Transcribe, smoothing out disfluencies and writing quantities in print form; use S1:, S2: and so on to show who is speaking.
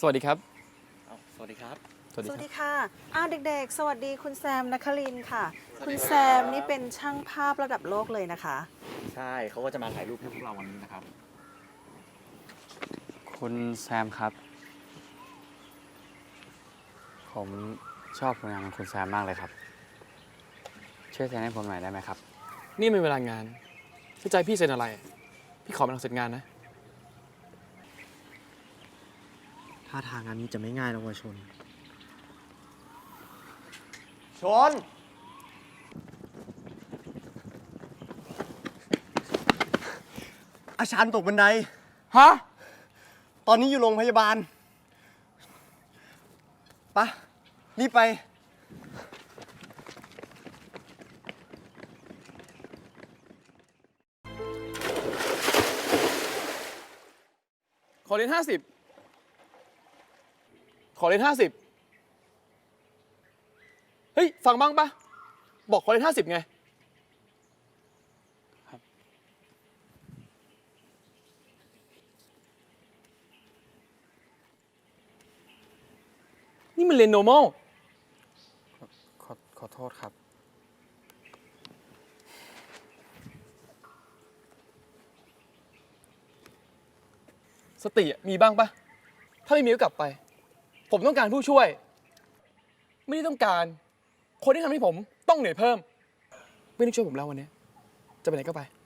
S1: สวัสดีครับ
S2: สวัสดีครับ
S1: สวัสดี
S3: ส
S1: ค
S3: วัส
S1: รับ
S3: ดีค่ะเด็กๆ สวัสดีคุณแซมนครินทร์ค่ะ คุณแซมนี่เป็นช่างภาพระดับโลกเลยนะคะ
S2: ใช่เขาก็จะมาถ่ายรูปให้พวกเราวันนี้นะครับ
S1: คุณแซมครับ ผมชอบผลงานของคุณแซมมากเลยครับ ช่วยเซ็นให้ผมหน่อยได้ไหมครับ
S4: นี่เป็นเวลางานถ้าใจพี่เซ็นอะไร พี่ขอเป็นหลังเสร็จงานนะ
S5: ท่าทางงานนี้จะไม่ง่ายนะวะชน
S2: ชน
S5: อาชานตกบันได
S4: ฮะ
S5: ตอนนี้อยู่โรงพยาบาลปะรีบไป
S4: ขอเรียน50 ขอเรียน50เฮ้ย ฟังบ้างปะบอกขอเรียน50ไง
S1: ครับ
S4: นี่มันเรียน normal
S1: ขอโทษครับ
S4: สติมีบ้างปะถ้าไม่มีก็กลับไป ผมต้องการผู้ช่วย ไม่ได้ต้องการ คนที่ทำให้ผมต้องเหนื่อยเพิ่ม ไม่ต้องช่วยผมแล้ววันนี้ จะไปไหนก็ไป